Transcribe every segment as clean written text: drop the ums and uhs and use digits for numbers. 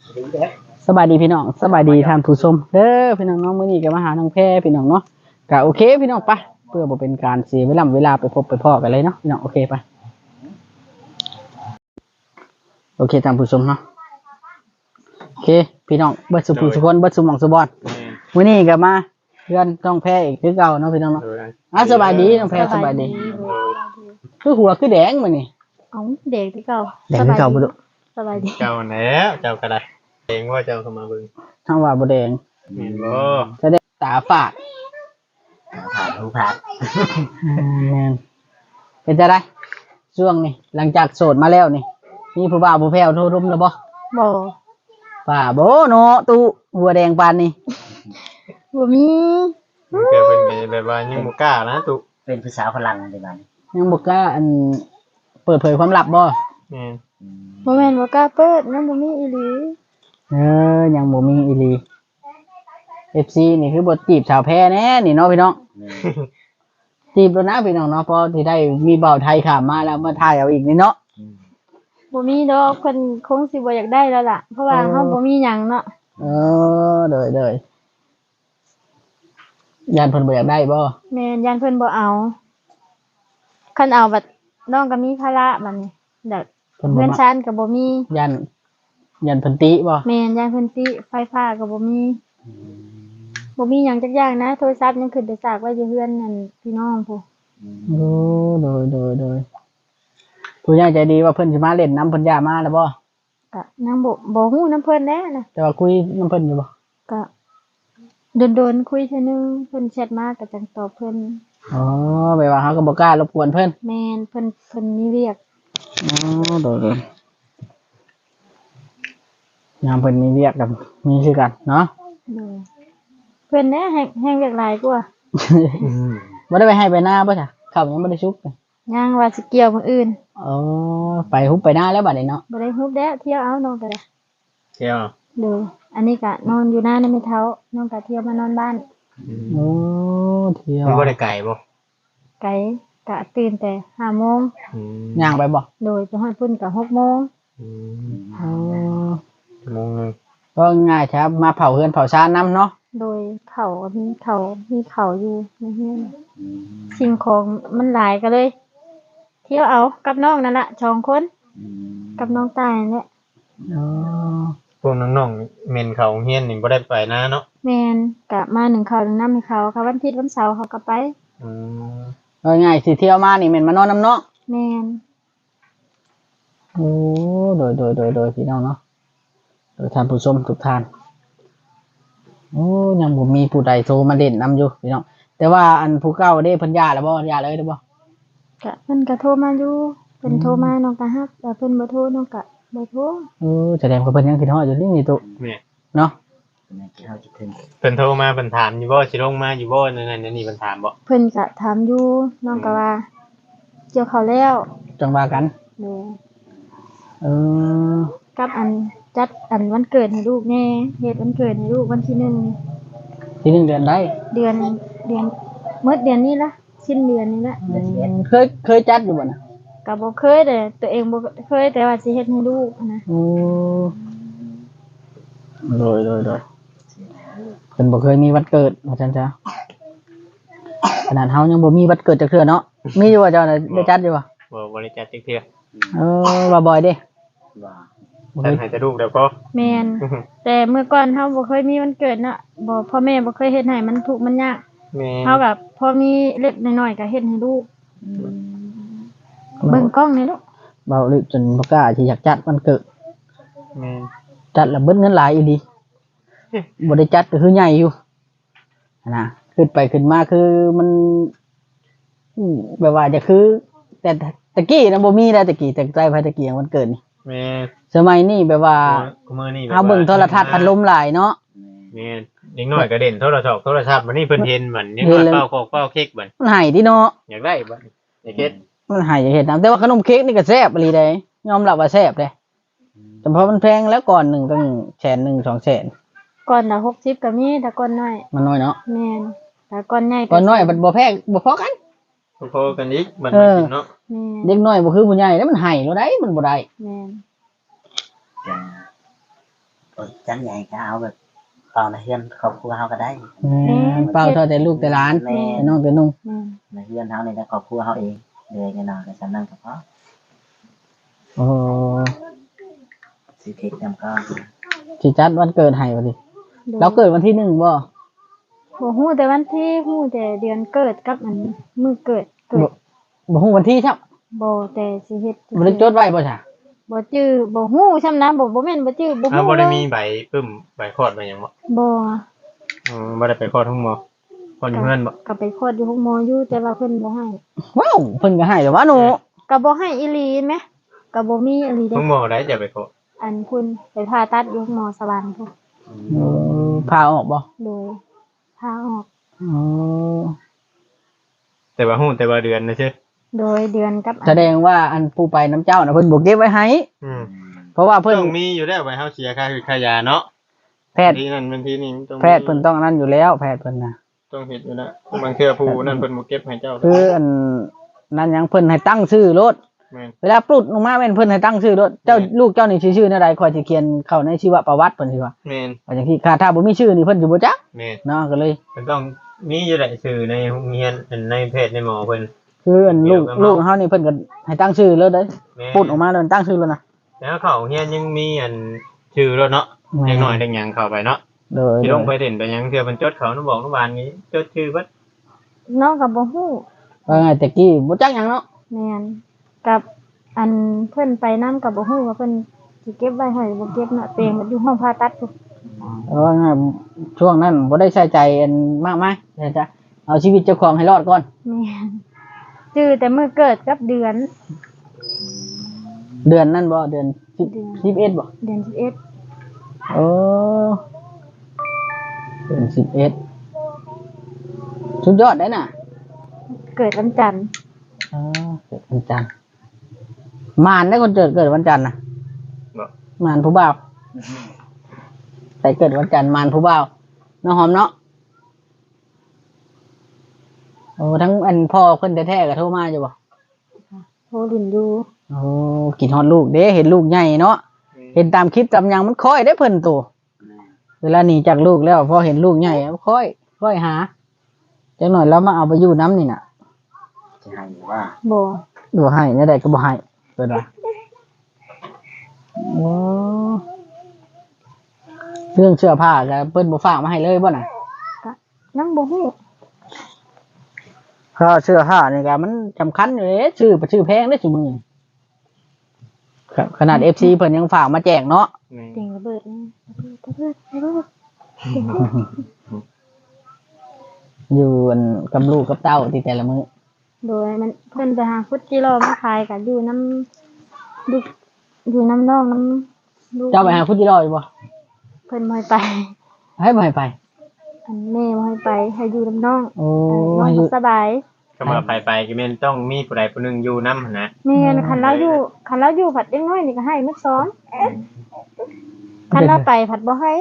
สบายดีพี่น้องสบายดีท่านผู้ชมเด้อพี่น้องเนาะมื้อนี้ก็มาหาน้องแพรพี่น้องเนาะก็โอเคพี่น้องไปเพื่อบ่เป็นการเสียเวลาไปพบไปพ้อกันเลยเนาะพี่น้องโอเคไปโอเคท่านผู้ชมเนาะโอเคพี่น้องเบิดสุภูสุคนเบิดสุหม่องสุบอนมื้อนี้ก็มาเพื่อนน้องแพรอีกคือเก่าเนาะพี่น้องเนาะสบายดีน้องแพรสบายดีคือหัวคือแดงมื้อนี้เอ้าแดงคือเก่าแดงคือเก่าบ่ดุสบายดีเจ้าแล้วเจ้าก็ได้เองว่าเจ้าเข้ามาเบิ่งทางว่าบ่แดงแม่นบ่จะได้ตาฝาดผ่านหูผ่านแม่นเป็นจังได๋ช่วงนี้หลังจากโสดมาแล้วนี่มีผู้บ่าวผู้แพ้วโทรรุมแล้วบ่บ่ป่าบ่เนาะตู้หัวแดงปานนี้บ่มีมันเกิดเป็นแบบว่ายังบ่กล้านะตุเป็นภาษาพลังในบ้านยังบ่กล้าเปิดเผยความลับบ่แม่นบ่แม่นบ่กล้าเปิดยังบ่มีอีหลียังบ่มีอีหลี FC นี่คือบ่จีบสาวแพ้แน่นี่เนาะพี่น้องจีบแล้วนะพี่น้องเนาะพอสิได้มีเบาไทยข้ามมาแล้วมาถ่ายเอาอีกนี่เนาะบ่มีดอกเพิ่นคงสิบ่อยากได้แล้วล่ะเพราะว่าเฮาบ่มีหยังเนาะเด้อยันเพิ่นบ่อยากได้บ่แม่นย่านเพิ่นบ่เอาคันเอาบัดน้องก็มีภาระบัดนี้เด้อเงินชั้นก็บ่มียันเพิ่นติบ่แม่นย่านเพิ่นติไฟฟ้าก็บ่มีหยังจักอย่างนะโทรศัพท์ยังขึ้นแต่ซากไว้อยู่เฮือนนั่นพี่น้องพู้โดยผู้ใหญ่ใจดีว่าเพิ่นสิมาเล่นน้ำเพิ่นย่ามาแล้วบ่ก็ยังบ่ฮู้นำเพิ่นแน่นะแต่ว่าคุยน้ำเพิ่นอยู่บ่ก็โดนคุยเทื่อนึงเพิ่นแชทมาก็จังตอบเพิ่นแบบว่าเฮาก็บ่กล้ารบกวนเพิ่นแม่นเพิ่นมีเวียกโดยยามเพิ่นมีเวียกกับมีคือกันเนาะเพิ่นแน่แฮงเวียกหลายกว่าบ่ได้ไปให้ไปหน้าบ่จ้ะข้าวยังบ่ได้ชุกยังว่าสิเกี่ยวมื้ออื่นไปฮุบไปหน้าแล้วบัดนี้เนาะบ่ได้ฮุบแล้วเที่ยวเอาน้องก็ได้เที่ยวอันนี้ก็นอนอยู่หน้าไม่เท้าน้องก็เที่ยวมานอนบ้านเที่ยวมันบ่ได้ไกลบ่ไกลก็ตื่นแต่5:00 นย่างไปบ่โดยไปฮอดพุ่นก็6:00 นชั่วโมงนึงก็ง่ายครับมาเผาเฮือนเผาชานน้ำเนาะโดยเขามีเขาอยู่ในเฮือนสิ่งของมันหลายก็เลยเที่ยวเอากับน้องนั่นล่ะ2คนกับน้องตายนั่นแหละพวกน้องๆเม่นเขาเฮียนนี่บ่ได้ไปนะเนาะแม่นก็มา1ข้าว1น้ำให้เขาค่ะวันอาทิตย์วันเสาร์เขาก็ไปง่ายสิเที่ยวมานี่แม่นมานอนน้ำเนาะแม่นโดยพี่น้องเนาะโดยท่านผู้ชมทุกท่านยังบ่มีผู้ใดโทรมาเล่นนำอยู่พี่น้องแต่ว่าอันผู้เก่าเด้เพิ่นย่าแล้วบ่ย่าเลยเด้อบ่ก็เพิ่นก็โทรมาอยู่เพิ่นโทรมาน้องก็รับแต่เพิ่นบ่โทรน้องก็บ่โทรแสดงว่าเพิ่นยังคิดฮอดอยู่นี่ตุแม่เนาะเพิ่นโทรมาเพิ่นถามอยู่บ่สิลงมาอยู่บ่นั่นนี่เพิ่นถามบ่เพิ่นก็ถามอยู่น้องก็ว่าเกี่ยวข้าวแล้วจังว่ากันกับจัดวันเกิดให้ลูกแน่เฮ็ดวันเกิดให้ลูกวันที่1 เดือนใดเดือนหมดเดือนนี้ละสิ้นเดือนนี้ละเคยจัดอยู่บ่น่ะก็บ่เคยแต่ตัวเองบ่เคยแต่ว่าสิเฮ็ดให้ลูกนะโดยเพิ่นบ่เคยมีวันเกิดว่าซั่นจ้ะขนาดเฮายังบ่มีวันเกิดจักเทื่อเนาะมีอยู่ว่าเจ้าน่ะได้จัดอยู่บ่ได้จัดจักเทื่อว่าบ่อยเด้ท่านให้แต่ลูกเดี๋ยวก็แม่นแต่เมื่อก่อนเฮาบ่เคยมีวันเกิดเนาะบ่พ่อแม่บ่เคยเฮ็ดให้มันทุกข์มันยากเฮาแบบพอมีเล็กน้อยๆก็เฮ็ดให้ลูกเบิ่งกล้องนี่ลูกเบาลึกจนบ่กล้าสิอยากจัดวันเกิดแม่นจัดแล้วเบิดเงินหลายอีหลีบ่ได้จัดก็คือใหญ่อยู่นะขึ้นไปขึ้นมาคือมันแบบว่าจะคือแต่ตะกี้นะบ่มีแล้วตะกี้แต่ใจภายตะกี้วันเกิดนี่แม่สมัยนี้แบบว่าเฮาเบิ่งโทรทัศน์พัดลมหลายเนาะแม่เด็กน้อยก็เด่นโทรศัพท์บัดนี้เพิ่นเห็นเหมือนยังเป้าโคกเป้าเค้กบัดมันให้ติเนาะอยากได้บัดอยากเฮ็ดมันให้อยากเฮ็ดนำแต่ว่าขนมเค้กนี่ก็แซ่บอีหลีเด้ยอมรับว่าแซ่บเด้แต่พอมันแพงแล้วก่อนนึงต้อง100,000 200,000 ก่อนน่ะ60ก็มีแต่ก่อนน้อยมันน้อยเนาะแม่นแต่ก่อนใหญ่ก่อนน้อยมันบ่แพงบ่พอกันพอกันอีกมันกินเนาะเด็กน้อยบ่คือผู้ใหญ่แล้วมันให้แล้วได้มันบ่ได้แม่นจังใหญ่ก็เอาแบบตอนเฮือนครอบครัวเฮาก็ได้เป้าเท่าแต่ลูกแต่หลานแม่แต่น้องแต่นุ่งแม่นในเฮือนเฮาในครอบครัวเฮาเองเลยกันเนาะก็สำนั้นก็พอโอ้สิเทคนำก็สิจัดวันเกิดให้บ่ดิโดยเราเกิดวันที่1บ่บ่ฮู้แต่วันที่ฮู้แต่เดือนเกิดกับอันมื้อเกิดบ่ฮู้วันที่ครับบ่แต่สิเฮ็ดบ่ได้จดไว้บ่จ้ะบ่จื้อบ่ฮู้ซ้ำนะบ่แม่นบ่จื้อบ่อ้าวฮู้บ่เลได้ยมีใบปึ้มใบคลอดมาหยังบ่บ่บ่ได้ไปคลอดทั้งหมอคลอดอยู่เฮือนบ่ก็ไปคลอดอยู่ห้องหมออยู่แต่ว่าเพิ่นบ่ให้ว้าวเพิ่นก็ให้แต่ว่าหนูก็บ่ให้อีหลีแหมก็บ่มีอีหลีเด้ทั้งหมอได้จะไปคลอดอันคุณไปผ่าตัดอยู่ห้องหมอสวรรค์พุ่นพาออกบ่โดยพาออกอ๋อแต่ว่าฮู้แต่ว่าเดือนนะใช่โดยเดือนกับแสดงว่าอันผู้ไปน้ำเจ้าน่ะเพิ่นบ่เก็บไว้ให้อืมเพราะว่าเพิ่นต้องมีอยู่แล้วไว้เฮาเสียค่าคือค่ายาเนาะแพทย์ที่นั่นมันที่นี่ต้องมีแพทย์เพิ่นต้องนั่นอยู่แล้วแพทย์เพิ่นน่ะต้องเฮ็ดอยู่แล้วบางเทื่อผู้นั่นเพิ่นบ่เก็บให้เจ้าคืออันนั้นหยังเพิ่นให้ตั้งชื่อรถแม่นเวลาปลุดลงมาแม่นเพิ่นให้ตั้งชื่อรถเจ้าลูกเจ้านี่ชื่อแนวใดค่อยสิเขียนเข้าในชีวประวัติเพิ่นสิว่าแม่นว่าจังซี่ถ้าบ่มีชื่อนี่เพิ่นสิบ่จักแม่นเนาะก็เลยมันต้องมีอยู่แหละชื่อในโรงเรียนในเพจในหมอเพิ่นคืออันลูกเฮานี่เพิ่นก็ให้ตั้งชื่อเลยเด้อแม่นปลุดออกมาแล้วตั้งชื่อแล้วนะแล้วเขาเฮียนยังมีอันชื่อรถเนาะเด็กน้อยเด็กหยังเข้าไปเนาะโดยสิลงไปเด่นไปหยังเทื่อเพิ่นจดเขานำบอกนำบานนี้จดชื่อเบิดน้องก็บ่ฮู้ว่าไงแต่กี้บ่จักหยังเนาะแม่นกับอันเพิ่นไปนำก็บ่ฮู้ว่าเพิ่นสิเก็บไว้ให้บ่เก็บเนาะตัวเองมันอยู่ห้องผ่าตัดพุ่นว่าไงช่วงนั้นบ่ได้ใส่ใจอันมากมายนะจ๊ะเอาชีวิตเจ้าของให้รอดก่อนแม่นจื้อแต่มื้อเกิดกับเดือนเดือนนั้นบ่เดือนเดือน 11บ่เดือน11 โอ้เดือน11สุดยอดได้น่ะเกิดวันจันทร์อ๋อเกิดวันจันทร์มารได้คนเกิดวันจันทร์น่ะบ่มารผู้บ่าวแต่เกิดวันจันทร์มารผู้บ่าวน้องหอมเนาะโอ้ทั้งอันพ่อเพิ่นแท้ๆก็โทรมาอยู่บ่โทรลินอยู่โอ้กินฮอดลูกเด้เห็นลูกใหญ่เนาะเห็นตามคลิปตามหยังมันค่อยได้เพิ่นโตเวลาหนีจากลูกแล้วพอเห็นลูกใหญ่มันค่อยหาจังหน่อยแล้วมาเอาไปอยู่น้ำนี่น่ะจะให้ว่าบ่บ่ให้เนี่ยใดก็บ่ให้เพิ่นว่าโอ้เรื่องเสื้อผ้าก็เพิ่นบ่ฝากมาให้เลยบ่น่ะยังบ่ฮู้เพราะเสื้อผ้านี่ก็มันสำคัญอยู่เด้ชื่อแพงเด้ซุมื้อนี้ครับขนาด FC เพิ่นยังฝากมาแจกเนาะแม่นเสียงระเบิดนะระเบิดอยู่อันกับลูกกับเต้าที่แต่ละมื้อโดยมันเพิ่นไปหาฟุตกิโลมาขายกันอยู่น้ำลูกอยู่น้ำนองน้ำลูกเจ้าไปหาพุทธิรออยู่บ่เพิ่นบ่ให้ไปให้บ่ให้ไปอันแม่บ่ให้ไปให้อยู่น้ำน้องโอ้น้องให้อยู่บ่สบายก็มาไปก็แม่นต้องมีผู้ใดผู้หนึงอยู่นำหั่นนะแม่นคันเราอยู่ผัดเด็กน้อยนี่ก็ให้มื้อซ้อนคันเราไปผัดบ่ให้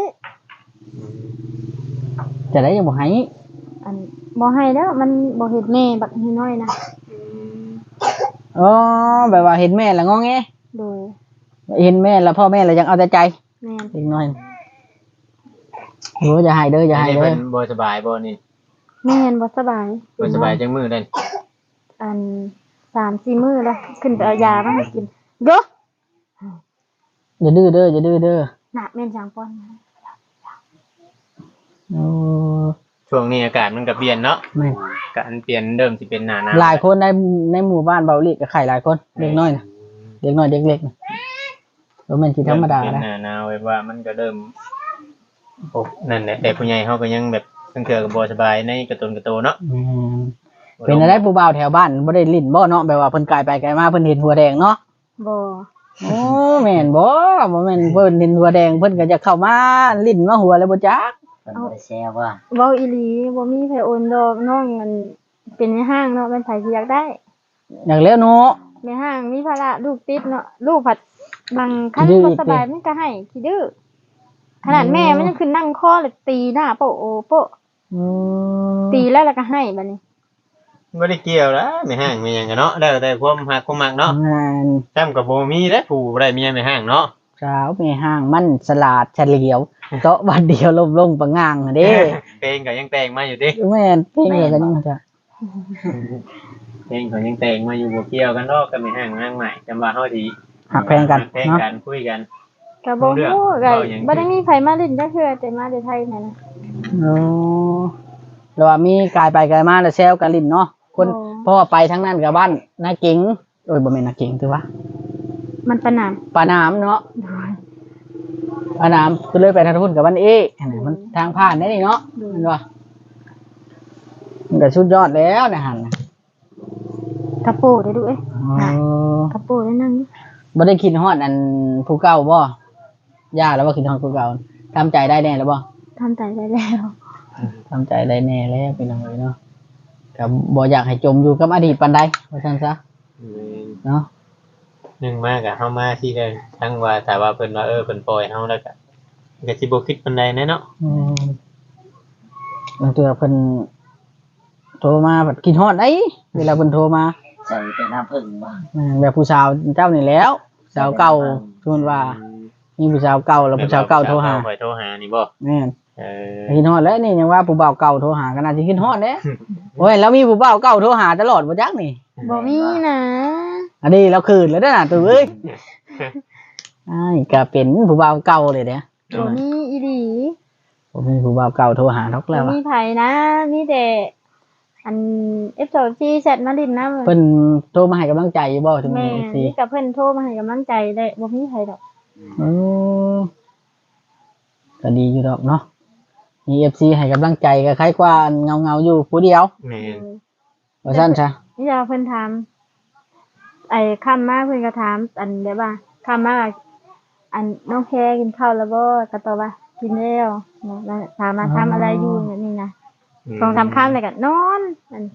จะได้ยังบ่ให้อันบ่ให้แล้วมันบ่เฮ็ดแม่บักน้อยนะอ๋อแบบว่าเห็นแม่แล้วงอแงโดยเห็นแม่แล้วพ่อแม่แล้วยังเอาแต่ใจแม่นอีกหน่อยโอ้อย่าให้เด้ออย่าให้นี่เด้เพิ่อนบ่สบายบ่นี่แม่นบ่สบายบ่สบายจังมื้อเด้อัน3-4 มื้อแล้วขึ้นไปเอายามาให้กินเด้ออย่าดื้อเด้ออย่าดื้อเด้อน่ะแม่นจังป้อนโอ้ช่วงนี้อากาศมันก็เปลี่ยนเนาะแม่การเปลี่ยนเริ่มสิเป็นหน้าหนาวหลายคนในหมู่บ้านเบาหลีก็ไข่หลายคนเด็กน้อยน่ะเด็กน้อยเด็กเล็กน่ะบ่แม่นสิธรรมดาเป็นนะหน้าหนาวแบบว่ามันก็เริ่มโอ้นั่นแหละแต่ผู้ใหญ่เขาก็ยังแบบตั้งเทื่อก็บ่สบายในกระตุนกระโตเนาะอืมเป็นอะไรผู้บ่าวแถวบ้านบ่ได้ลิ้นบ่เนาะแบบว่าเพิ่นกายไปกายมาเพิ่นเห็นหัวแดงเนาะบ่โอ้แม่นบ่แม่นเพิ่นเห็นหัวแดงเพิ่นก็จะเข้ามาลิ้นมาหัวแล้วบ่จักเพิ่นบ่ได้แชร์ว่าเว้าอีหลีบ่มีไผโอนดอกน้องมันเป็นในห้างเนาะมันไผสิอยากได้อยากแล้วเนาะในห้างมีภาระลูกติดเนาะลูกผัดบางคันดื้อบ่สบายมันก็ให้ขี้ดื้อขนาดแม่มันยังขึ้นนั่งคอเลยตีหน้าโปะโอโปะอืมตีแล้วก็ให้บัดนี้บ่ได้เกี่ยวแล้วไม่ห่างไม่หยังกันเนาะแล้วแต่ความฮักความมักเนาะงานแต้มกับบ่มีแล้วผู้บ่ได้เมียไม่ห่างเนาะสาวแม่ห้างมันสลาดเฉลียวเจาะบัดเดียวลงปะง่างเด้เพลงก็ยังแต่งมาอยู่ดิแม่นเพลงเลยก็ยังจะเพลงก็ยังแต่งมาอยู่บ่เกี่ยวกันดอกก็ไม่ห่างนางใหม่จำว่าเฮาสิหักแพงกันแพงเนาะกันคุยกันก็บ่รู้เรื่องฮู้ก็เว้าหยังบ่ได้มีไผมาเล่นจักเทื่อแต่มาแต่ไทยนั่นน่ะโอ้แล้วว่ามีกายไปกายมาแล้วแซวกันลิ้นเนาะคนโอ้เพราะว่าไปทั้งนั้นกับบ้านนาเก๋งโอ้ยบ่แม่นนาเก๋งถือว่ามันประนามปาน้ำเนาะโดยปาน้ำก็เลยไปทางพุ่นกับบ้านเออันนี้มันทางผ่านได้นี่เนาะเห็นป่ะมันก็สุดยอดแล้วนะหันนะกระโปงได้ดูเอ้ยอ๋อกระโปงได้นั่งอยู่บ่ได้คิดฮอดอันผู้เก่าบ่ย่าแล้วว่าคิดฮอดผู้เก่าทำใจได้แน่แล้วบ่ทำใจได้แล้วทำใจได้แน่แล้วเป็นยังไงเนาะก็บ่อยากให้จมอยู่กับอดีตปานใดว่าซั่นซะเนาะหนึ่งมากอะเฮามาที่ได้ทั้งว่าแต่ว่าเพิ่นว่าเพิ่นปล่อยเฮาแล้วก็สิบ่คิดปานใดแน่เนาะบางเทื่อเพิ่นโทรมาแบบคิดฮอดได้เวลาเพิ่นโทรมาใส่เป็นน้ำผึ้งบ่แบบผู้สาวเจ้านี่แหล้วสาวเก่าชวนว่ามีผู้สาวเก่าแล้วผู้สาวเก่าโทรหาข่อยโทรหานี่บ่แม่นเออคิดฮอดแล้วนี่ยังว่าผู้บ่าวเก่าโทรหาก็น่าสิคิดฮอดเด้โอ้ยแล้วมีผู้บ่าวเก่าโทรหาตลอดบ่จักนี่บ่มีนะอันนี้เราคืนแล้วเด้อน่ะตัวเอ้ยอ้ายก็เป็นผู้บ่าวเก่าเลยเด้อบ่มีอีหลีผมมีผู้บ่าวเก่าโทรหาทอกแล้วบ่อะมีไผนะมีแต่อัน F2C แชทมาลินนำเพิ่นโทรมาให้กำลังใจอยู่บ่ถึงแม่สินี่กับเพิ่นโทรมาให้กำลังใจได้บ่มีไผดอกก็ดีอยู่ดอกเนาะมี FC ให้กำลังใจก็คล้ายกว่าเงาๆอยู่ผู้เดียวแม่นว่าซั่นซะนี่จะเพิ่นถามไอ้คำมาเพิ่นก็ถามอันแบบว่าคำมาอันน้องแพรกินข้าวแล้วบ่ก็ตอบว่ากินแล้วแล้วถามมาทำอะไรอยู่แบบนี้นะ2-3ค่ำแล้วก็นอนอัน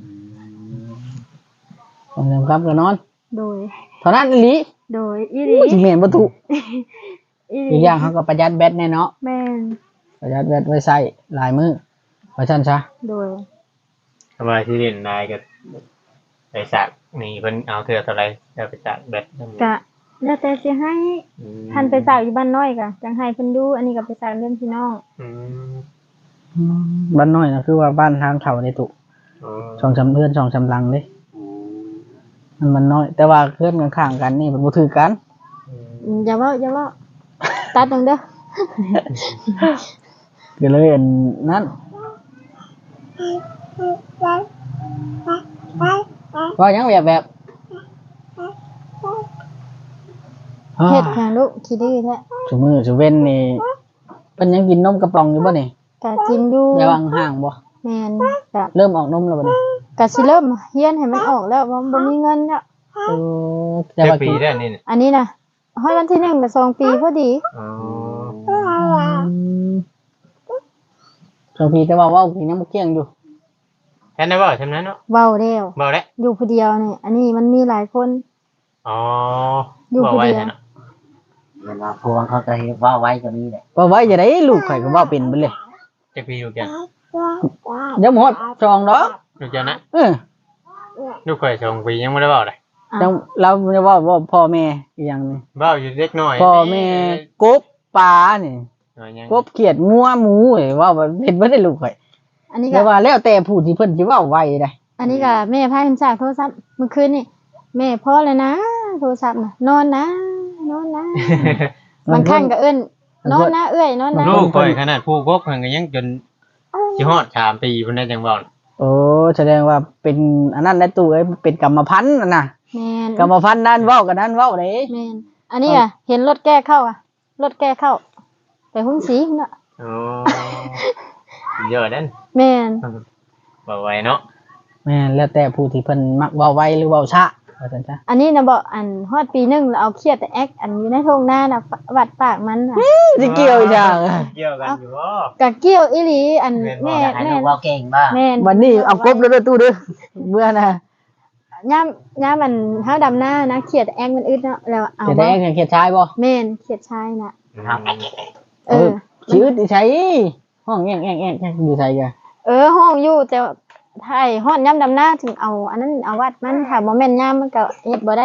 ต้องยอมรับกันนอนโดยเท่านั้นอีหลีโดยอีหลีสิแม่นบ่ถูกอีหอีลีกอย่างเขาก็ประหยัดแบตแน่เนาะแม่นประหยัดแบตไว้ใช้หลายมื้อว่าซั่นซะโดยทำไมที่เล่นนายก็ไปสักนี่เพิ่นเอาเทื่อเท่าไหร่จะไปสักแบตก็แล้วแต่สิให้ท่านไปสาวอยู่บ้านน้อยก็จังให้เพิ่นดูอันนี้ก็ไปสาวเรื่องพี่น้องบ้านน้อยนะคือว่าบ้านทางเขาในตุอ๋อช่องชำเพื่อนช่องชำลังเด้มันน้อย แต่ว่าเพื่อนข้างๆกันนี่มันบ่ถือกันอย่าเว้าตัดตรงเด้อก็เลยอันนั้นว่าหยังแบบเฮ็ดแข่งลูกขี้ดื้อแท้ซุมื้อซุเว้นนี่เพิ่นยังกินนมกระป๋องอยู่บ่นี่ก็กินอยู่อย่าวางห่างบ่แม่นก็เริ่มออกนมแล้วบ่นี่ก็สิเริ่มเฮียนให้มันออกแล้วเพราะบ่มีเงินแล้วแต่เจ็ดว่าปีกินแล้วนี่น่ะอันนี้นะฮ้อยวันที่1ก็2ปีพอดีอ๋อสองปีแต่ว่าเว้ากินยังบ่เกี่ยงอยู่แค่นั้นบ่ใช่นั้นเนาะเว้าแล้วบ่แล้วอยู่ผู้เดียวนี่อันนี้มันมีหลายคนอ๋ออยู่บ่ผู้ไว้เดียวใช่เนาะเวลาพวงเขาก็เฮ็ดว่าไว้ก็มีแหละว่าไว้จะได้ลูกข่อยก็เว้าเป็นเบิดเลยเจ็ดปีอยู่กันเดี๋ยวหมดจองดอกอยู่กันนะเออลูกข่อย2ปียังบ่ได้เว้าเลยจังเราจะว่าพ่อแม่อีหยังนี่เว้าอยู่เล็กน้อยพ่อแม่กบปลานี่น้อยยังกบเขียดงัวหมูเอ้ยว่าเฮ็ดบ่ได้ลูกข่อยอันนี้ก็แต่ว่าแล้วแต่ผู้ที่เพิ่นสิเว้าไว้ได้อันนี้ก็แม่พาเพิ่นสากโทรศัพท์เมื่อคืนนี่แม่พอแล้วนะโทรศัพท์น่ะนอนนะบางครั้งก็เอิ้นนอนนะเอ้ยนอนนะลูกข่อยขนาดผู้กกเพิ่นก็ยังจนสิฮอด3ปีเพิ่นได้จังเว้าโอ้แสดงว่าเป็นอันนั้นแหละตู้เอ้ยเป็นกรรมพันธุ์น่ะนะแม่นกรรมพันธุ์นั้นเว้ากันนั้นเว้าเด้แม่นอันนี้อ่ะเห็นรถแก้เข้าอ่ะรถแก้เข้าไปหุ้นสีเนาะอ๋อเยอะนั่นแม่นบ่ไหวเนาะแม่นแล้วแต่ผู้ที่เพิ่นมักเว้าไว้หรือเว้าช้าว่าซั่นจ้ะอันนี้นะบอกอันฮอดปีหนึงแล้วเอาเครียดแต่แอคอันอยู่ในทุ่งนาน่ะวัดปากมันน่ะสิเกี่ยวอีหยังเกี่ยวกันอยู่บ่กะเกี่ยวอีหลีอันแม่อยากให้แม่ลูกเว่าเก่งบ้างแม่นวันนี้เอากบแล้วเด้อตู้เด้อเบื่อนะย่ามมันเฮาดำหน้านะเครียดแต่แอคมันอึดเนาะแล้วเอาจะบ่ได้เขียดชายบ่แม่นเครียดชายน่ะครับเออชีวิตใช้ห้องแง่งอยู่ไสกะห้องอยู่แต่ไทยฮอดย่ำดำหน้าถึงเอา อันนั้นเอาวัดมันถ้าบ่แม่นย่ามมันก็เฮ็ดบ่ได้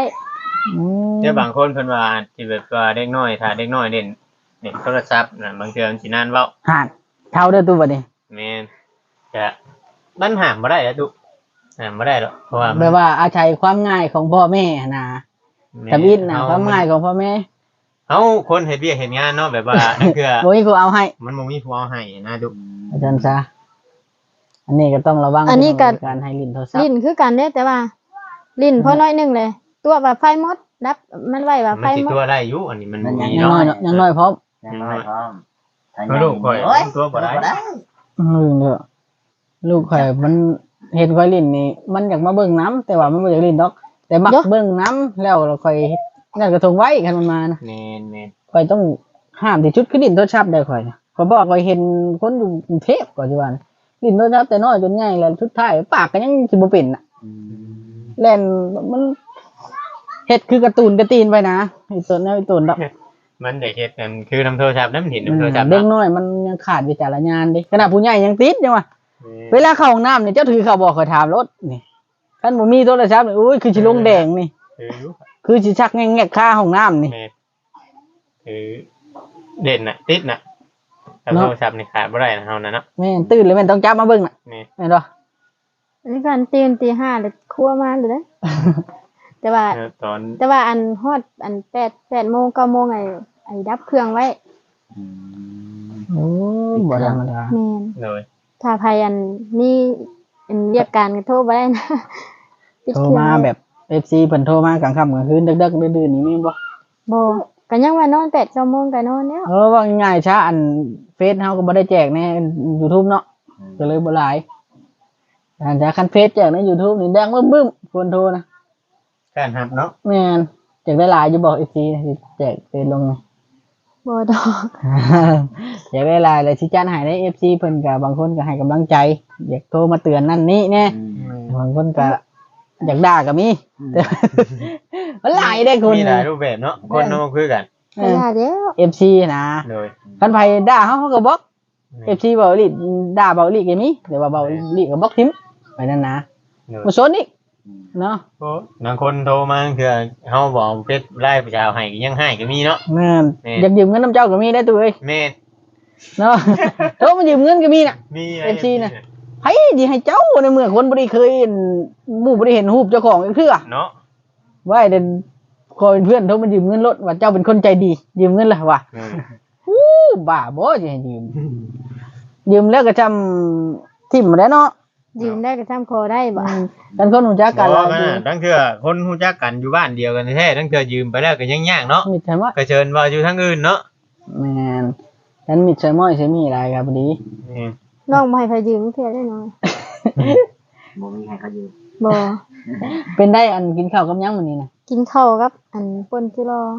เดี๋ยวบางคนเพิ่นว่าสิแบบว่าเด็กน้อยถ้าเด็กน้อยเล่นโทรศัพท์น่ะบางเทื่อมันสินานเว้าห่านเท่าเด้อตู้บัดนี้แม่นจะมันห้ามบ่ได้แล้วตุห้ามบ่ได้หรอกเพราะว่ามันแปลว่าอาศัยความง่ายของพ่อแม่นะแม่ทำอิฐนะความง่ายของพ่อแม่เฮาคนเฮ็ดเวียกเฮ็ดงานเนาะแบบว่านั่นคือบ่มีผู้เอาให้มันบ่มีผู้เอาให้นะดุอาจารย์ซะอันนี้ก็ต้องระวังอันนี้ก็ในการให้ลิ้นโทรศัพท์ลิ้นคือกันเด้แต่ว่า ลิ้นพอน้อยหนึงเลย ตัวว่าไฟหมดดับมันไว้ว่าไฟมันสิหมดตัวได้อยู่อันนี้มันมันมียังเนาะน้อยเนาะยังน้อยพร้อมยังน้อยพร้อมเอาลูกข่อยโอ้ยตัวบ่ได้เด้อลูกข่อยมันเห็นข่อยลิ้นนี่มันอยากมาเบิ่งน้ำแต่ว่ามันบ่อยากลิ้นดอก แต่มักเบิ่งน้ำแล้วเราข่อยเฮ็ดนั่นกระทงไว้คันมันมานะแม่นข่อยต้องห้ามที่ชุดคือลิ้นโทรศัพท์ได้ข่อยข่อยบอกข่อยเห็นคนอยู่กรุงเทพก่อนสิว่านะลิ้นโทรศัพท์แต่น้อยจนใหญ่แล้วสุดท้ายปากก็ยังสิบ่เป็นน่ะ เล่นมันเฮ็ดคือการ์ตูนกระตีนไปนะไอ้ตัวนั้นไอ้ตัวดอกๆมันได้เฮ็ดกันคือนํโทรศัพท์นำเห็นนํโทรศัพท์เด็กเนาะน้อยมันยังขาดวิจารณญาณดิขนาดผู้ใหญ่ยังติดจังวะเวลาเข้าห้องน้ำเนี่ยเจ้าถือเข้าบอกขอยถามรถนี่คันบ่มีโทรศัพท์นี่อุ้ยคือสิลงแดงนี่คืออยู่คือสิชักแงกๆค่าห้องน้ำนี่แม่นคือเด่นน่ะติดน่ะถ้าเนาะโทรศัพท์นี่ขาดบ่ได้นะเฮานั่นเนาะแม่นตื่นเลยแม่นต้องจับมาเบิ่งน่ะแม่นแม่นบ่อันนี้กันตีนตีห้าเลยครัวมาเลยเด้แต่ว่าตอนแต่ว่าอันฮอดอัน8 โมง 9 โมงไอ้ดับเครื่องไว้โอ้บ่ธรรมดาแม่นเลยถ้าใครอันมีอันเรียกการก็โทรบ่ได้นะปิดโทรเครื่องมาไว้แบบ FC เพิ่นโทรมากลางค่ำกลางคืนดึกๆดื่นๆนี่มีบ่บ่ก็ยังว่านอน8 9 โมงก็นอนแล้วว่าง่ายๆช้าอันเฟซเฮาก็บ่ได้แจกใน YouTube เนาะก็เลยบ่หลายอันจะคันเฟซแจกใน YouTube นี่แดงบึ้มๆคนโทรนะการหับเนาะแม่นแจกได้หลายอยู่บอก FC สิแจกเฟซลงบ่ดอกอยากได้หลายเลยสิจัดให้ใน FC เพิ่นก็บางคนก็ให้กำลังใจอยากโทรมาเตือนนั่นนี่แน่บางคนก็อยากด่าก็มีแต่มันหลายได้คนมีหลายรูปแบบเนาะคนเนาะคือกันเอก็อได้เด้อ FC นะเลยคันไผด่าเขาก็บล็อก FC เบาอีหลีด่าเบาอีหลีก็มีแต่ว่าเบาอีหลีก็บล็อกทิมไปนั่นนะเลยบ่สนอีกเนาะโอ้บางคนโทรมาคือเฮาบอกเฟซไลน์ประชาให้ก็ยังให้ก็มีเนาะแม่นแม่อยากยืมเงินน้ำเจ้าก็มีได้ตัวเอ้ยแม่นเนาะ โทรมายืมเงินก็มีน่ะมี FC น่ะ ไผสิให้เจ้าในเมื่อคนบ่ได้เคยเห็นหมู่บ่ได้เห็นรูปเจ้าของอีกเทื่อเนาะว่าเด่นคอยเป็นเพื่อนโทรมายืมเงินรถว่าเจ้าเป็นคนใจดียืมเงินล่ะว่ะอู้บ้าบ่สิให้ยืมยืมแล้วก็จำทิ่มมาแล้วเนาะยืมได้ก็ทำคอได้บ่กันคนรู้จักกักัน นแล้แล้ว วตั้งเทื่อคนฮู้จักกันอยู่บ้านเดียวกันแท้ตั้งเทื่อยืมไปแล้วก็ยังยากเนาะมิดใช่ไหมก็เชิญว่าอยู่ทางอื่นเนาะแมนฉันมิดใช่ม้อยใช่มีอะไรครับพอดีแม่นน้องบ่ให้ใครยืมเทื่อได้น้อยบ่มีใครเขาอยู่บ่เป็นได้อันกินข้าวกับยังมื้อนี้นะกินข้าวกับอันป่นจิรอบ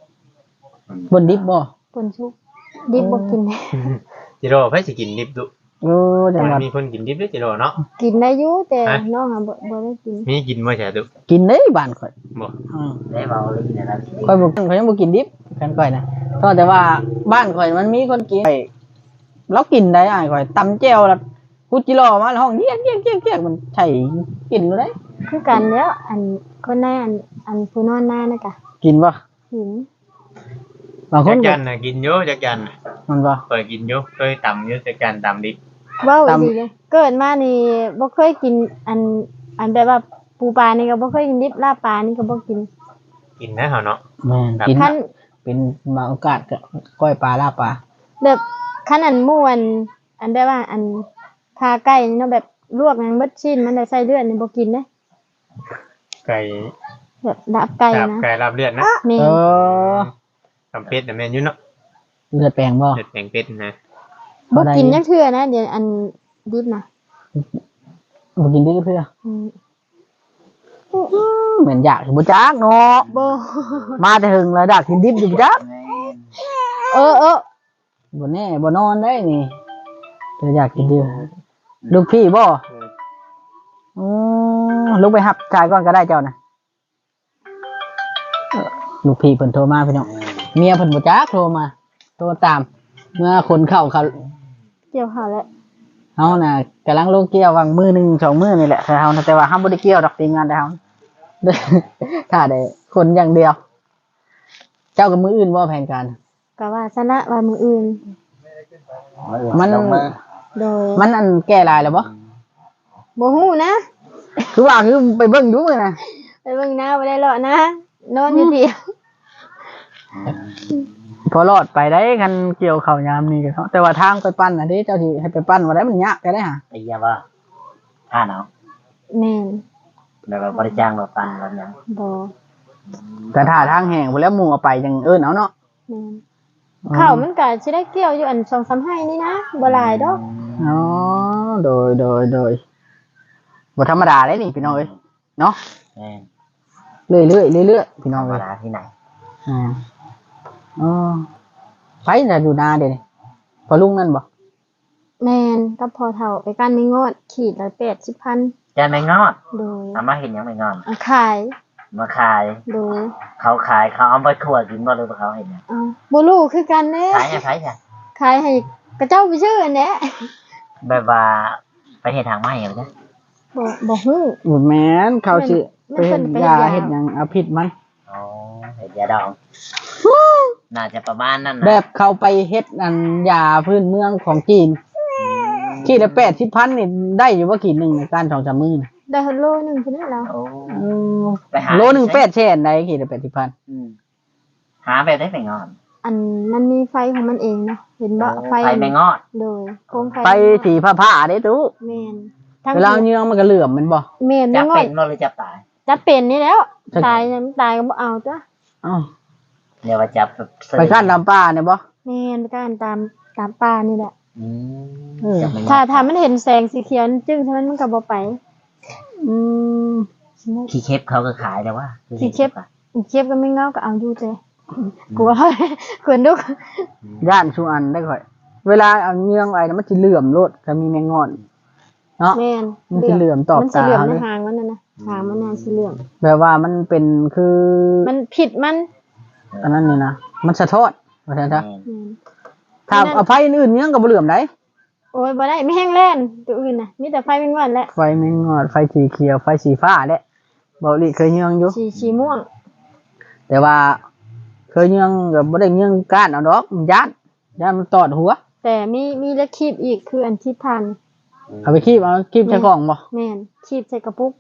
นดิบบ่ป่นชุบดิบบ่กินจิโร่ไผสิกินดิบดุโอ้จังหวัดมีคนกินดิบด้วยจิโร่เนาะกินได้อยู่แต่ฮะน้องอ่ะบ่ได้กินมีกินบ่ใช่ดุกินได้บ้านข่อยบ่ได้เบาเลยกินอะไรข่อยบ่ข่อยยังบ่กินดิบกันข่อยนะก็แต่ว่าบ้านข่อยมันมีคนกินข่อยเรากินได้อ้ายข่อยตำแจ่วแล้วกุจิรอมาแล้วห้องเยียกมันใช่กินอยู่ได้คือกันแล้วอันคนในอันผู้นอนหน้านะกะกินบ่หินบางคจันกก็จันน่ะกินอยู่จักจันน่ะมันบ่เคยกินอยู่เคยตำอยู่จักจันตำดิบเว้าตำดีเลยเกิดมานี่บ่เคยกินอันแบบว่าปูปลานี่ก็บ่เคยกินดิบลาบปลานี่ก็บ่กินกินนะเฮาเนาะแม่นกินคันเป็นบางโอกาสก็ก้อยปลาลาบปลาแบบคันอันม่วนอันแบบว่าอันขาไก่นี่เนาะแบบลวกมันเบิดชิ้นมันได้ใส่เลือดนี่บ่กินเด้ไก่แบบดับไก่ลาบนะไก่ลาบเลือดนะแม่เออตำเป็ดน่ะแม่นอยู่เนาะเลือดแปลงบ่เลือดแปลงเป็ดนะบ่กินจักเทื่อนะเดี๋ยวอันดิบนะบ่กินได้เพื่ออืมเหมือนอยากสิบ่จักเนาะบ่มาแต่หึงแล้วดักกินดิบอยู่จักเออบ่แน่บ่นอนได้นี่แต่อยากกินดิบลูกพี่บ่ลูกไปหับชายก่อนก็ได้เจ้านะลูกพี่เพิ่นโทรมาพี่น้องเมียเพิ่นบ่จักโทรมาโทรตามเมื่อคนเข้าเขาเกี่ยวข้าวแล้วเฮาน่ะกำลังลงเกี่ยววางมือ1 2มื้อนี่แหละแต่เฮาน่ะแต่ว่าเฮาบ่ได้เกี่ยวดอกทีมงานแต่เฮา ถ้าได้คนอย่างเดียว เจ้ากับมืออื่นว่าแผนการก็ว่าซะละว่ามื้ออื่นมันลงมือโดยมันอันแก้ลายแล้วบ่บ่ฮู้นะคือว่าคือไปเบิ่งดูเลยนะไปเบิ่งหน้าบ่ได้เลาะนะนอนอยู่เดียวพอรอดไปได้คันเกี่ยวเข่ายามนี่ก็แต่ว่าทางไปปั้นอันนี้เจ้าที่ให้ไปปั้นว่าได้มันยากก็ได้หาไอ้ยาว่าท่าเนาะแม่นแบบว่าบริจ้างเราปันเราอย่างบ่แต่ถ้าทางแห้งไปแล้วหมู่เอาไปจังเอิ้นเอาเนาะแม่นข้าวมันก็สิได้เกี่ยวอยู่อัน2-3ไร่นี่นะบ่หลายดอกอ๋อโดยบ่ธรรมดาเลยนี่พี่น้องเอ้ยเนาะแม่นเรื่อยๆพี่น้ธอรง รมเอ้ยดาที่ไหนอ่าอ๋อไปน่ะอยู่นาเด้นี่พอลุงนั่นบ่แม่นกับพอเฒ่าไปกันไม่งอดขีดละ80,000 จะไม่งอดโดยเอามาเห็นยังไม่งอดเอาขายมาขายโดยเขาขายเขาเอาไปขวดกินบ่หรือว่าเขาเห็นยังเอาบ่รู้คือกันเด้ขายยังไงจ้ะขายให้กระเจ้าไปชื่ออันเนี้ยแบบว่าไปเห็นทางไม้เหรอจ๊ะบ่ฮู้บ่แม่นเขาสิมัไปนเฮ็ดไปยาเฮ็เฮ็ดดยาหยังเอาผิดมันอ๋อเห็นยาดองน่าจะประมาณนั้นแบนะบเขาไปเฮ็ดอันยาพื้นเมืองของจีนขีดละ80,000นี่ได้อยู่บ่ขีดหนึงในการ2-3มื้อน่ะได้โลนึงพุ่นแล้วโอ้อืมไปหาโลนึง8แสนได้ขีดละ80,000 อืมหาแบบได้ไม่งอดอันมันมีไฟของมันเองเนาะเห็นบ่ไฟไปไม่งอดโดยโคมไฟไปสีผ้าๆเด้ตู้แม่นทั้งเวลาเยืองมันก็เหลื่อมแมันบ่แม่นจะไม่งอเป็ดนบ่หรือจะตายจะเป็นนี่แล้วตายเนี่ยมันตายก็บ่เอาจ้ะเอ้าเดี๋ยวว่าจับแบบไปขั้นลำป่าเนี่ยบ่แม่นไปกันตามป่านี่แหละอืมเออจับไม่งอดถ้ามันเห็นแสงสีเขียวจึ้งใช่มันก็บ่ไปอืมขี้เค็บเขาก็ขายแต่ว่าขี้เค็บ อีกเก็บก็ไม่เงาก็เอาอยู่เจ้กลัว ขนลุกย่านชูอันได้ค่อย เวลาเอาเยืองไว้น่ะมันสิเหลื่อมโลดก็มีแมงงอนเนาะแม่นมันสิเหลื่อมตอบมันสิเหลื่อมตาในเลยหางมันน่ะนะหางมันน่ะสิเหลื่อมแบบว่ามันเป็นคือมันผิดมันอันนั้นนี่นะมันสะท้อนว่าซั่นซะแม่นถ้าเอาไฟอื่นๆเยืองก็บ่เหลื่อมได้โอ้ยบ่ได้ไม่แห้งแล่นตัวอื่นน่ะมีแต่ไฟเป็นวันแหละไฟแมงงอนไฟสีเขียวไฟสีฟ้าแหละบ่ลิเคยเยืองอยู่สีม่วงแต่ว่าเคยเยืองก็บ่ได้เยืองก้านเอาดอกมันย่านมันตอดหัวแต่มีและคีบอีกคืออันคีบทานเอาไปคีบใส่กล่องบ่แม่นคีบใส่กระปุก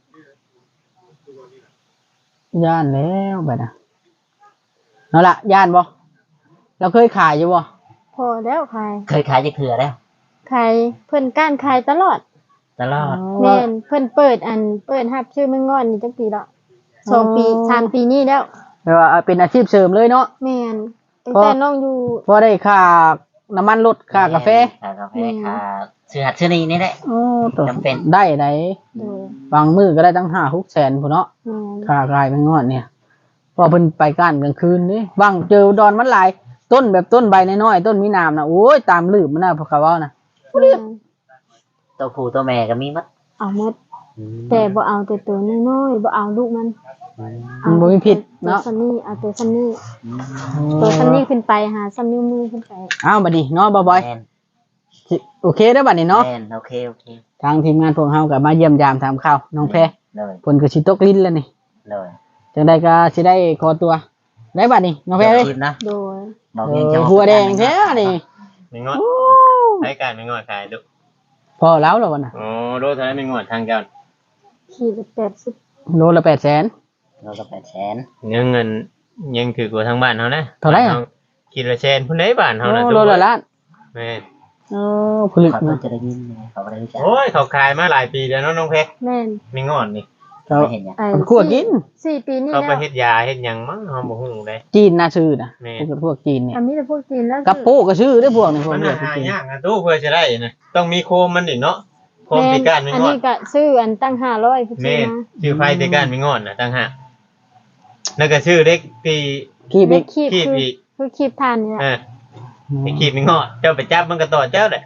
ย่านแล้วบัดน่ะนั่นล่ะย่านบ่เราเคยขายอยู่บ่พอแล้วขายเคยขายจะเถื่อแล้วขายเพิ่นก้านขายตลอดตลอดแม่นเพิ่นเปิดรับชื่อแม่งอนนี่จักปีละ2 ปี3 ปีนี้แล้วแปลว่าเป็นอาชีพเสริมเลยเนาะแม่นตั้งแต่น้องอยู่พอได้ค่าน้ำมันรถค่ากาแฟค่ากาแฟค่าซื้อหัดซื้อนี่นี่แหละโอ้ตัวจำเป็นได้ไหนโดยบางมื้อก็ได้ตั้ง5-6แสนพุ่นเนาะแม่นค่ากายเป็นงอดเนี่ยพอเพิ่นไปก้านกลางคืนนี่บางเจอดอนมันหลายต้นแบบต้นใบน้อยๆต้นมีน้ำนะโอ้ยตามลืบมันน่ะพวกเขาเว้านะแม่นตัวผู้ตัวแม่ก็มีมัดเอาหมดแต่บ่เอาแต่ตัวน้อยๆบ่เอาลูกมันมันบ่มีผิดตัวเนาะซันนี่เอาตัวซันนี่ตัวซันนี่ขึ้นไปหาซันนิ้วมือขึ้นไปอ้าวบัดนี้เนาะบ่บอยแม่นสิโอเคเด้อบัดนี้เนาะแม่นโอเคโอเคทางทีมงานพวกเฮาก็มาเยี่ยมยามถามข่าวน้องแพรเลยเพิ่นก็สิตกลิ้นแล้วนี่เลยจังไดก็สิได้ขอตัว ได้บัดนี้น้องแพรเอ้ยคลิปนะโดยบอกเองจะหัวแดงแท้นี่ไม่งอดใช้การไม่งอดขายดูพอแล้วเหรอวะน่ะโอ้โลเท่านั้นไม่งอดทางเจ้าขีดละ80 โลละ800,000 เราก็800,000 เงินยังถือกว่าทางบ้านเขานะเท่าไหร่อะกินละแชนพุ่นได้บ้านเขานะโลละล้านแม่ผลึกเขานะจะได้ยินเขาไม่ได้รู้จักโอ้ยเขาขายมาหลายปีแล้วเนาะน้องเพชรแม่นไม่งอดนี่เขาไม่เห็นยังไอ้มันคั่วกิน 4 ปีนี่เขาไปแล้วเฮ็ดยาเฮ็ดหยังมั้งเขาบ่ฮู้เลยจีนน่าซื้อนะแม่พวกจีนเนี่ยอันนี้แต่พวกจีนแล้วกับโป้ก็ซื้อได้พวกนี้พวกมันนี้หายากนะตู้เพื่อจะได้นะต้องมีโคมมันนี่เนาะโคมติการไม่อันงอดนี้ก็ซื้ออันตั้ง500พุ่นแม่นะชื่อไฟติการไม่งอดนะตั้งหากแล้วก็ชื่อเล็กปีขี้บิ๊กคีบคีบคืออีกคือคีบทานนี่แหละไอ้ขีดไม่งอดเจ้าไปจับมันก็ต่อเจ้าแหละ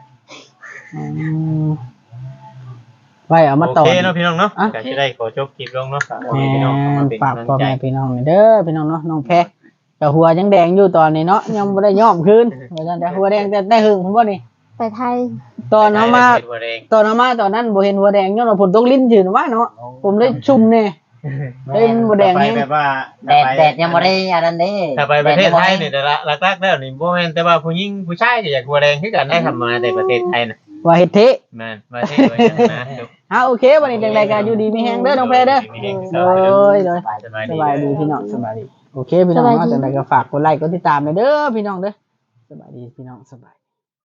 ไว้เอามาต่อโอเคเนาะพี่น้องเนาะอ่ะก็จะได้ขอจบคลิปลงเนาะฝากพ่อแหแม่พี่น้องเข้ามาม่เป็นฝากกำลังพ่อใจแม่พี่น้องเด้อพี่น้องเนาะน้องแพรแต่หัวยังแดงอยู่ตอนนี้เนาะยังบ่ได้ย้อมคืนว่าซั่นแต่หัวแดงแต่ได้หึงผมบ่นี่ไปไทยตอนเอามาได้เฮ็ดหัวแดงตอนนั้นบ่เห็นหัวแดงย้อนว่าฝนตกลิ้นจืดว่าเนาะผมเลยชุ่มแน่เฮ้ยบ่แดงไปแฮงแบบว่าแดดยังบ่ได้อันนั้นเด้ถ้าไปประเทศไทยนี่แต่ละหลักๆแล้วนี่บ่แม่นแต่ว่าผู้หญิงผู้ชายก็อยากบ่แดงคือกันได้ทำมาในประเทศไทยน่ะว่าเฮ็ดเทแม่นประเทศไว้จังนะโอเควันนี้จังไดก็อยู่ดีมีแฮงเด้อน้องแพรเด้อโดยโดย สบายดีพี่น้องสบายดีโอเคพี่น้องเนาะจังไดก็ฝากกดไลค์กดติดตามเด้อพี่น้องเด้อสบายดีพี่น้องสบาย